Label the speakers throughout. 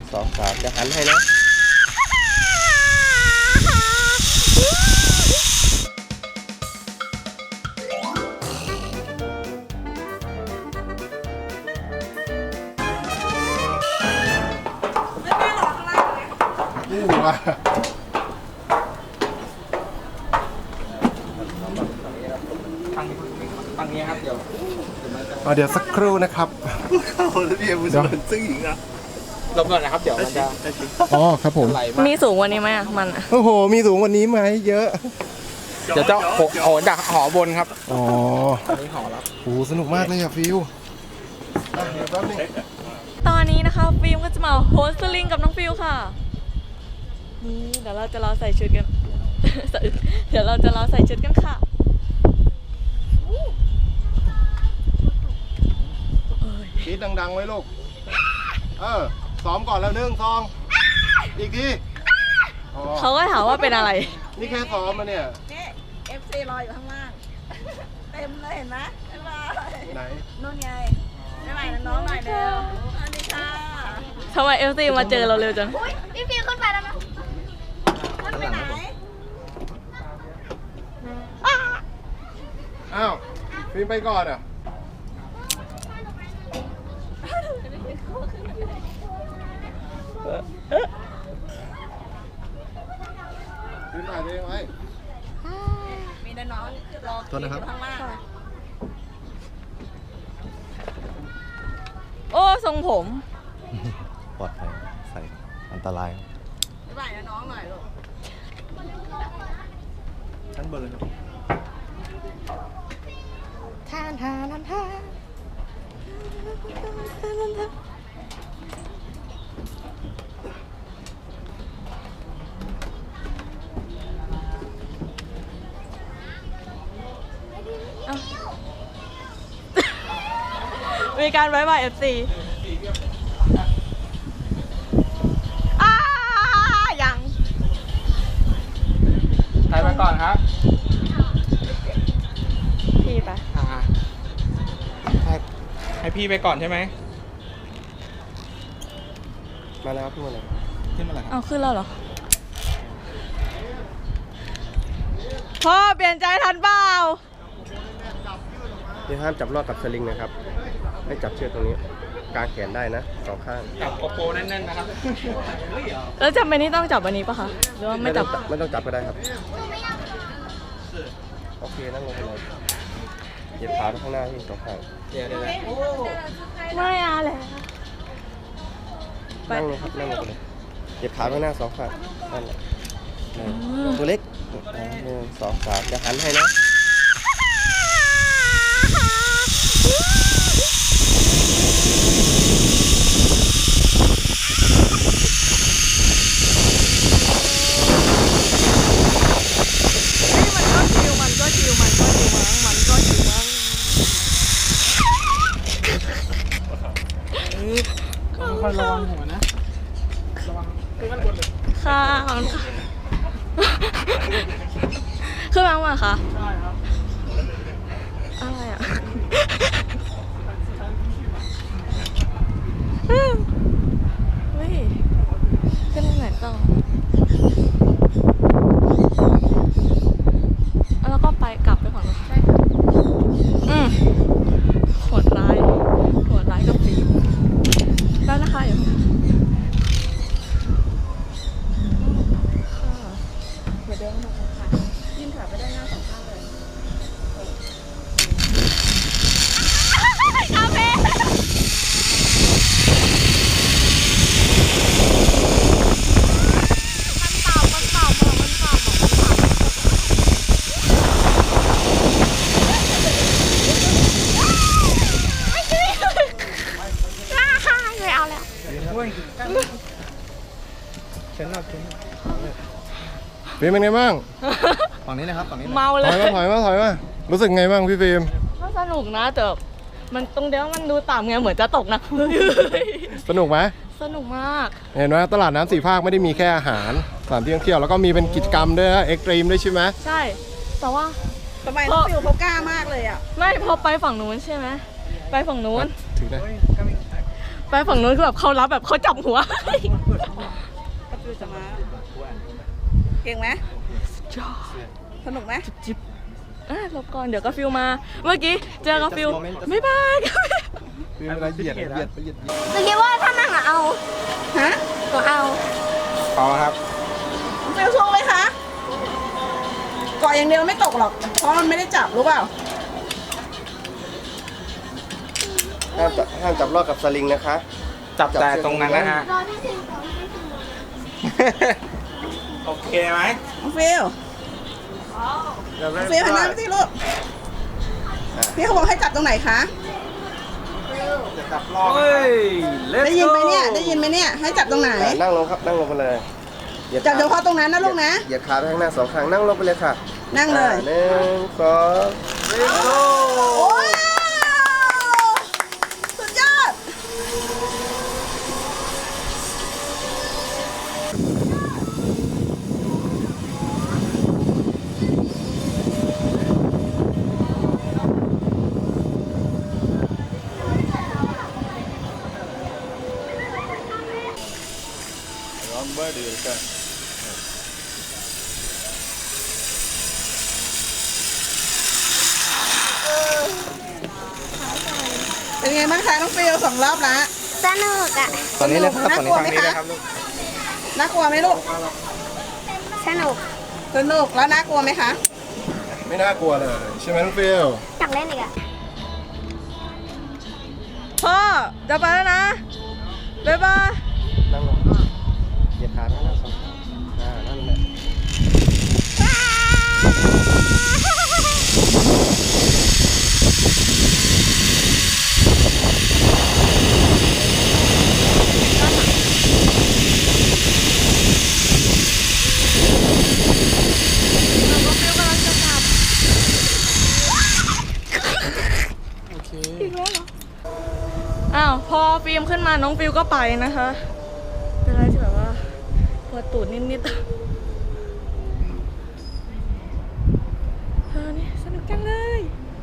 Speaker 1: 2 3จะหันให้นะ
Speaker 2: นี่ว่า
Speaker 3: ฟังนี้ครับเดี๋
Speaker 2: ยวสักครู่นะครับ
Speaker 3: ลบก่อนนะครับเดี๋ยวมันจะ
Speaker 2: อ๋อครับผม
Speaker 3: ไหลมาก
Speaker 4: มีสูงกว่านี้ไหมอ่ะมันอะ
Speaker 2: โอ้โหมีสูงกว่านี้ไหมเยอะ
Speaker 3: เดี๋ยวจะโหดักหอบนครับ
Speaker 2: อ๋อ
Speaker 3: อันนี้หอรับ
Speaker 2: โหสนุกมากเลยอะฟิวเดี๋ยวแป๊บนึง
Speaker 4: ตอนนี้นะคะฟิล์มก็จะมาโฮสต์ลิงกับน้องฟิลค่ะนี่เดี๋ยวเราจะรอใส่ชุดกัน เดี๋ยวเราจะรอใส่ชุดกันค่ะ
Speaker 2: คิดดังๆไว้ลูกซ้อมก่อนแล้ว1 2อีกทีอ๋อ
Speaker 4: เขาก็ถามว่าเป็นอะไร
Speaker 2: นี่แค่ซ้อมมาเนี่ย
Speaker 5: นี่ FC รออยู่ข้างล่าง เต็มเลยเห็นไหมบ๊ายบาย
Speaker 2: ไหน
Speaker 5: นู่นไงบ๊ายบายน้องๆหน่อยเร็วสวัสดีค่ะ
Speaker 4: ทำไมFC มาเจอเราเร็วจัง
Speaker 5: พี่ฟิวขึ้นไปแล้วนะขึ้นไปไหน
Speaker 2: อ้าวฟิล์มไปก่อนอ่ะฟิล์มถ่ายตัวเองไว้
Speaker 5: มีน้องๆรอ
Speaker 2: โทษนะครับ
Speaker 5: อยู่ข้างล่าง
Speaker 4: โอ้ทรงผม
Speaker 1: ปลอดภัยใส่อันตราย
Speaker 5: บ๊ายบายน้องๆหน่อยลูก
Speaker 2: ชั้นบนเลยครับ
Speaker 4: มีการบายบาย FC ยัง
Speaker 3: ถ่ายไปก่อนครับ
Speaker 4: พี่ไป
Speaker 3: ให้พี่ไปก่อนใช่ไหม
Speaker 2: มาแล้วขึ้นมาเลย
Speaker 3: ขึ้นมาเลยครับ
Speaker 4: เอาขึ้นแล้วเหรอ พ่อเปลี่ยนใจทันเปล่า
Speaker 2: นี่ห้ามจับลอกกับสลิงนะครับ ให้จับเชือกตรงนี้กางแขนได้นะ2 ข้าง
Speaker 3: จับโกโปรแน่นๆนะครับ
Speaker 4: แล้วจำเป็นนี่ต้องจับวันนี้ปะคะ หรือว่าไม่จับ
Speaker 2: ไม่ต้องจับก็ได้ครับ โอเคนั่งลงไปเลยเหยียบขาไปข้างหน้าที่2 ข้าง
Speaker 3: เดี๋ยว
Speaker 4: ไม่เอาแล้ว ไป
Speaker 2: นั่งลงครับนั่งลงไปเลยเหยียบขาไปข้างหน้า2 ข้างนั่นแหละตัวเล็ก1 2 3จะหันให้นะ
Speaker 4: มันก็ชิวมั้ง
Speaker 3: ค่อยระวังหัวนะระวังขึ้นมาบนเลย
Speaker 4: ค่ะขอบคุณค่ะ ขึ้นมาไหมคะ
Speaker 3: ใช่ครับ
Speaker 4: อะไรอ่ะ เฮ้ยขึ้นทางไหนต่อแล้วก็ไปกลับไปฝั่งนู้นใช่ค่ะโหดร้ายกับฟิล์มแล้วนะคะอยู่ค่ะเดี๋ยวเดินมาค่ะยื่นขาไปได้หน้า2 ข้างเลยคาเฟ่มันเปล่าไม่เอาแล้ว
Speaker 3: เชิญหลับเชิญ
Speaker 2: ฟิล์มเป็นไงบ้าง
Speaker 3: ฝั่งนี้นะครับฝั่งนี้
Speaker 4: เมาเล
Speaker 2: ถอยมารู้สึกไงบ้างพี่ฟิล์ม
Speaker 4: ก็สนุกนะแต่มันตรงเดียวมันดูต่ำไงเหมือนจะตกนะ
Speaker 2: สนุกไหม
Speaker 4: สนุกมาก
Speaker 2: เห็นไหมตลาดน้ำ4 ภาคไม่ได้มีแค่อาหารสถานที่ท่องเที่ยวแล้วก็มีเป็นกิจกรรมด้วยนะเอ็กซ์ตรีมด้วยใช่ไหม
Speaker 4: ใช่ แต่ว่า
Speaker 5: ทำไมน้องฟิวเขากล้ามากเลยอ่ะ
Speaker 4: ไม่พอไปฝั่งนู้นใช่ไหมไปฝั่งนู้น
Speaker 2: ถึงได้
Speaker 4: ไปฝั่งนู้นคือแบบเขารับแบบเขาจับหัว
Speaker 5: ฟิวจะมาเก่งไหมสนุกไหม
Speaker 4: จิบหลบก่อนเดี๋ยวก็ฟิวมา เมื่อกี้เจอกับฟิวบ๊ายบาย
Speaker 2: ฟิวอะไรเหยียดเหยียด
Speaker 6: หนูคิดว่าถ้านั่งอะเอา
Speaker 5: ฮะ
Speaker 6: หนูเอา
Speaker 3: เอาครับ
Speaker 5: ฟิวโชว์ไหมคะเกาะอย่างเดียวไม่ตกหรอก เพราะมันไม่ได้จับรู้เปล่า
Speaker 2: ห้ามจับลอกกับสลิงนะคะ
Speaker 3: จับแต่ตรงนั้นนะฮะ
Speaker 6: รอที่สิก่อนที่สิ
Speaker 3: โอเคไหม
Speaker 5: น้องฟิวฟิวหันหน้าไปสิลูกพี่เขาบอกให้จับตรงไหนคะ
Speaker 2: จะจับลอก
Speaker 3: เฮ้ย
Speaker 5: ได้ยินไหมเนี่ย ได้ยินไหมเนี่ย ให้จับตรงไหน
Speaker 2: นั่งลงครับนั่งลงไปเลยหยีย
Speaker 5: จับเฉพาะตรงนั้นนะลูกนะ
Speaker 2: เหยียดขาไปข้างหน้า2 ครั้งนั่งลงไปเลยค่ะ
Speaker 5: นั่งเลย
Speaker 2: 1 2 let's go
Speaker 5: โอ้ยสุดยอด เป็นไงบ้างคะน้องฟิว2 รอบละ
Speaker 6: สนุกอะ
Speaker 3: ตอนนี้เลยครับ
Speaker 5: น่า
Speaker 3: ตอน
Speaker 5: ก
Speaker 3: นี้
Speaker 5: ลัว
Speaker 3: ทาง
Speaker 5: ไหม
Speaker 3: นี้
Speaker 5: คะ
Speaker 3: เลยครับลูก
Speaker 5: น่ากลัวไหมลูก
Speaker 6: สนุก
Speaker 5: สนุกแล้วน่ากลัวไหมคะ
Speaker 2: ไม่น่ากลัวเลยใช่ไหมน้องฟิว
Speaker 6: อยากเล่นอีกอะ
Speaker 4: พ่อจะไปแล้วนะบ๊ายบาย
Speaker 2: นั่งลงเหยียดขาไปข้างหน้า2 ครั้งนั่นแหละ
Speaker 3: โอเค
Speaker 4: อ้าวพอฟิล์มขึ้นมาน้องฟิวก็ไปนะคะ เป็นอะไรที่แบบว่าปวดตูดนิดๆนี่สนุกจังเลย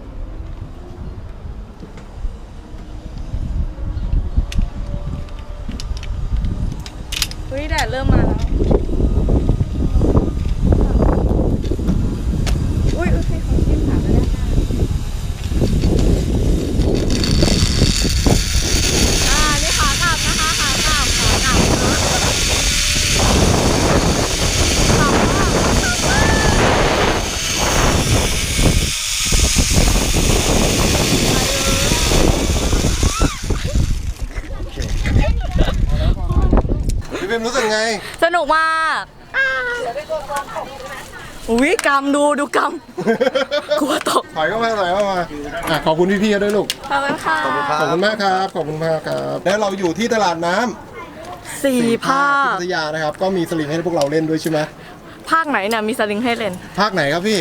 Speaker 4: เฮ้ยแดดเริ่มมาแล้วอุ้ยพี่เขาจิ้มขาไปแล้วนี่ขากลับนะคะขากลับ
Speaker 2: พี่ฟิวรู้สึกไง
Speaker 4: สนุกมากอุ้ยกำดูกำ กลัวตก
Speaker 2: ถอยเข้ามาขอบคุณพี่ๆด้วยลูก
Speaker 4: ขอบคุณค่ะ
Speaker 2: ขอบคุณมากครับ ขอบคุณมากครับ แล้วเราอยู่ที่ตลาดน้ำ
Speaker 4: สี่ภา
Speaker 2: ที่
Speaker 4: ค
Speaker 2: พัทยานะครับ ก็มีสลิงให้พวกเราเล่นด้วยใช่ไหม
Speaker 4: ภาคไหนเนี่ยมีสลิงให้เล่น
Speaker 2: ภาคไหนครับพี่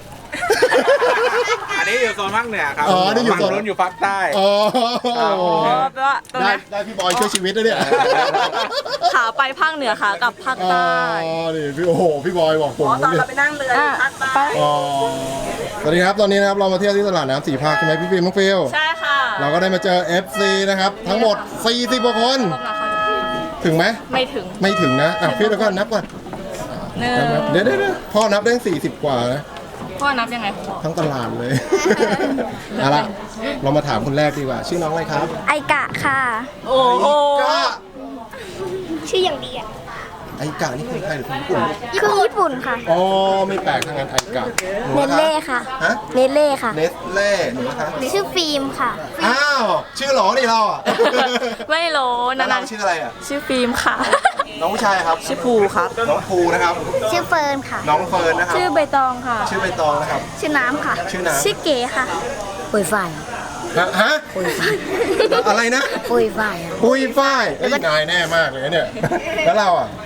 Speaker 3: อันนี้อยู่โซนภาคเหนือครับ
Speaker 2: อ๋อนี่อยู่โซน
Speaker 3: ฝั่งนู้นอยู่ภาคใต้
Speaker 2: อ๋อ
Speaker 4: แปลว่าตรง
Speaker 2: ได้
Speaker 4: นี้
Speaker 2: ได้พี่บอยช่วยชีวิตนะเนี่ย
Speaker 4: ขาไปภาคเหนือขากลับภาค
Speaker 2: อ๋อ
Speaker 4: ใต้
Speaker 2: นี่พี่โอ้โหพี่บอยบอกผม
Speaker 5: อ๋อตอน
Speaker 2: เนี่ย
Speaker 5: เราไปนั่งเรืออยู่ภาคใต้
Speaker 2: อ๋อสวัสดีครับตอนนี้นะครับเรามาเที่ยวที่ตลาดน้ำ4 ภาคใช่ไหมพี่ฟิล์มน้องฟิล
Speaker 4: ใช่ค่ะ
Speaker 2: เราก็ได้มาเจอ FC นะครับ ทั้งหมด 40 กว่าคน ถึงไหม
Speaker 4: ไม่ถึง
Speaker 2: ไม่ถึงนะอ่ะพี่แล้วก็นับก่อน
Speaker 4: หนึ่ง
Speaker 2: เดี๋ยวพ่อนับได้40 กว่านะ
Speaker 4: พ่อนับยังไง
Speaker 2: ทั้งตลาดเลย เอาละเรามาถามคนแรกดีกว่า ชื่อน้องอะไรครับ
Speaker 6: ไอกะค่ะ
Speaker 4: โอ้โห
Speaker 2: ไอ้กะ
Speaker 6: ชื่ออย่างดีอะ
Speaker 2: ไอกะนี่คนไทยหรือคนญี่ปุ่น
Speaker 6: คือญี่ปุ่นค่ะ
Speaker 2: อ๋อไม่แปลกทางนั้นไอกะหนู
Speaker 6: เน
Speaker 2: นะ
Speaker 6: เล่
Speaker 2: คะ
Speaker 6: ค่ะ
Speaker 2: ฮะ
Speaker 6: เนเล่ค่ะ
Speaker 2: เนสเล่หนูนะคะ
Speaker 6: ชื่อฟิล์มค่ะ
Speaker 2: อ้าวชื่อหลอนี่เราอ่ะ
Speaker 4: ไม่รู้
Speaker 2: แล้ว
Speaker 4: นา
Speaker 2: เรา
Speaker 4: น
Speaker 2: ชื่ออะไรอ่ะ
Speaker 4: ชื่อฟิล์มค่ะ
Speaker 2: น้องผู้ชายครับ
Speaker 4: ชื่อภูครับ
Speaker 2: น้องภูนะครับ
Speaker 6: ชื่อเฟิร์นค่ะ
Speaker 2: น้องเฟิร์นนะครับ
Speaker 4: ชื่อใบตองค่ะ
Speaker 2: ชื่อใบตองนะครับ
Speaker 6: ชื่อน้ำค่ะ
Speaker 2: ชื่อน้ำ
Speaker 6: ชื่อเก๋ค่ะปุยฝ้าย
Speaker 2: ฮะอะไรนะ
Speaker 6: ปุยฝ้ายอะ
Speaker 2: ปุยฝ้ายเอ้ยนายแน่มากเลยเนี่ย แล้วเราอ่ะ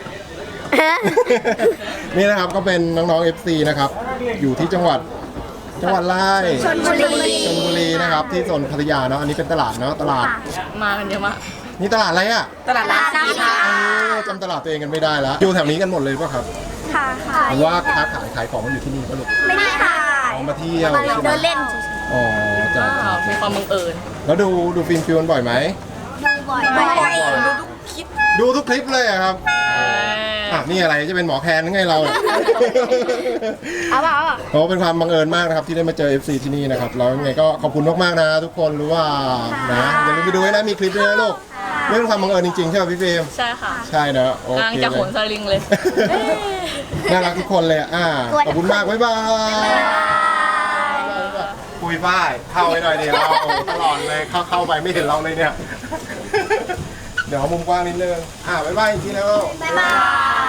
Speaker 2: นี่นะครับก็เป็นน้องๆ FC นะครับ อยู่ที่จังหวัดอะไร
Speaker 6: ชลบุรี
Speaker 2: ชลบุรีนะครับที่โซนพัทยาเนาะอันนี้เป็นตลาดเนาะตลาด
Speaker 4: มากันเยอะมาก
Speaker 2: นี่ตลาดอะไรอ่ะ
Speaker 4: ตลาดน้ำสีค่ะ
Speaker 2: จำตลาดตัวเองกันไม่ได้แล้วอยู่แถวนี้กันหมดเลยป่ะครับ
Speaker 6: ค่ะค่ะ
Speaker 2: หรือว่าค้าขายของมันอยู่ที่นี่ป่ะลูก
Speaker 6: ไม่ได้ค่ะ
Speaker 2: ออกมาเที่ยว
Speaker 6: มา
Speaker 2: ใช่ไหม
Speaker 6: เดินเล่น
Speaker 2: อ๋อจ้ะ
Speaker 4: อ้าวมีความบังเอิญ
Speaker 2: แล้วดูฟิล์มฟิวกันบ่อยไหม
Speaker 6: บบ่อย
Speaker 2: ดูทุกคลิปเลยอะครับนี่อะไรจะเป็นหมอแคนหรือไงเราเนี่ย
Speaker 6: เอาเปล่าเอาเปล่า
Speaker 2: โอ้เป็นความบังเอิญมากนะครับที่ได้มาเจอ FC ที่นี่นะครับแล้วยังไงก็ขอบคุณมากๆนะทุกคนรู้ว่านะอย่าลืมไปดูให้นะมีคลิปด้วยนะลูกเรื่องความบังเอิญจริงๆใช่ไหมพี่ฟิล์ม
Speaker 4: ใช่ค่ะ
Speaker 2: ใช่นะโอก
Speaker 4: ำลัง
Speaker 2: เค
Speaker 4: จะ
Speaker 2: เล
Speaker 4: โหน
Speaker 2: ย
Speaker 4: สลิงเลย
Speaker 2: น่ารักทุกคนเลยขอบคุณมากบ๊ายบายคุยป้ายเข้าไปหน่อยดิเราตลอดเลยเข้าไปไม่เห็นเราเลยเนี่ย เดี๋ยวมุมกว้างนิดนึงบ๊ายบายจริงๆแล้ว
Speaker 6: บ๊ายบาย